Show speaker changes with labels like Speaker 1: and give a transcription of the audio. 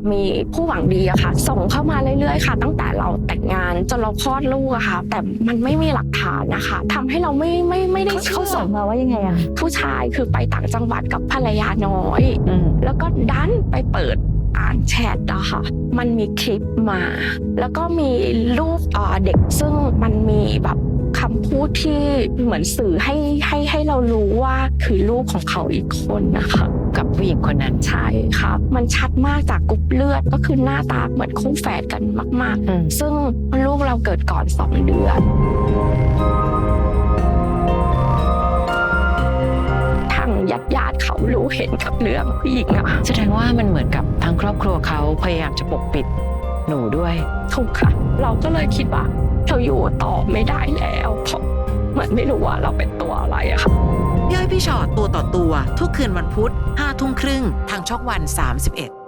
Speaker 1: มีผู้หวังดีอะค่ะส่งเข้ามาเรื่อยๆค่ะตั้งแต่เราแต่งงานจนเราคลอดลูกอะค่ะแต่มันไม่มีหลักฐานนะคะทำให้เราไม่ได้เชื่
Speaker 2: เขา
Speaker 1: อ
Speaker 2: ส่งมาว่ายังไงอะ
Speaker 1: ผู้ชายคือไปต่างจังหวัดกับภรรยาน้อย แล้วก็ดันไปเปิดอ่านแชทอะค่ะมันมีคลิปมา แล้วก็มีรูปเด็กซึ่งมันมีแบบคำพูดที่เหมือนสื่อให้เรารู้ว่าคือลูกของเขาอีกคนนะคะ
Speaker 3: กับผู้หญิงคนนั้น
Speaker 1: ใช่ครับมันชัดมากจากกรุ๊ปเลือดก็คือหน้าตาเหมือนคู่แฝดกันมากๆซึ่งลูกเราเกิดก่อน2 เดือนทางญาติเขารู้เห็นกับเรื่องผู้หญิงอะ
Speaker 3: แสดงว่ามันเหมือนกับทางครอบครัวเขาพยายามจะปกปิดหนูด้วย
Speaker 1: ถูกค่ะเราก็เลยคิดว่าเราอยู่ต่อไม่ได้แล้วเพราะเหมือนไม่รู้ว่าเราเป็นตัวอะไรอะค่ะ
Speaker 4: พี่อ้อยพี่ชอตตัวต่อตัวทุกคืนวันพุธ 5 ทุ่มครึ่งทางช่องวัน 31